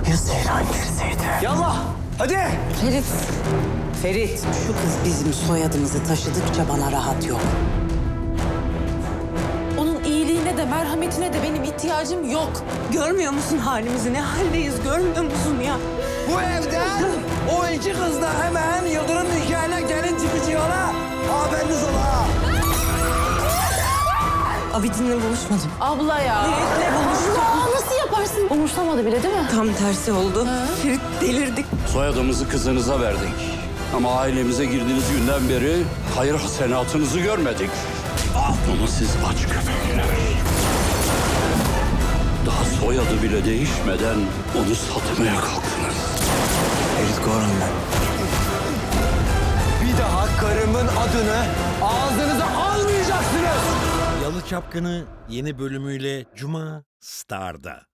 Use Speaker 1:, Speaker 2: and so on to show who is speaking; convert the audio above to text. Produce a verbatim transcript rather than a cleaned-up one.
Speaker 1: Ya Seyran girseydi?
Speaker 2: Yallah! Hadi!
Speaker 3: Ferit. Ferit, şu kız bizim soyadımızı taşıdıkça bana rahat yok.
Speaker 4: Onun iyiliğine de merhametine de benim ihtiyacım yok. Görmüyor musun halimizi? Ne haldeyiz görmüyor musun ya?
Speaker 2: Bu evden o iki kız da hemen Yıldırım nikahına gelin çıkacağına haberiniz ola.
Speaker 3: Abidin'le buluşmadım.
Speaker 4: Abla ya.
Speaker 3: Niyetle buluştum.
Speaker 4: Abla nasıl yaparsın? Umursamadı bile değil mi?
Speaker 3: Tam tersi oldu. Ferit delirdik.
Speaker 5: Soyadımızı kızınıza verdik. Ama ailemize girdiğiniz günden beri hayır hasenatınızı görmedik. Ama siz aç köpekler. Daha soyadı bile değişmeden onu satmaya kalktınız.
Speaker 2: Ferit Goran ben. Bir daha karımın adını ağzınıza almayacaksınız.
Speaker 6: Yalı Çapkını yeni bölümüyle Cuma Star'da.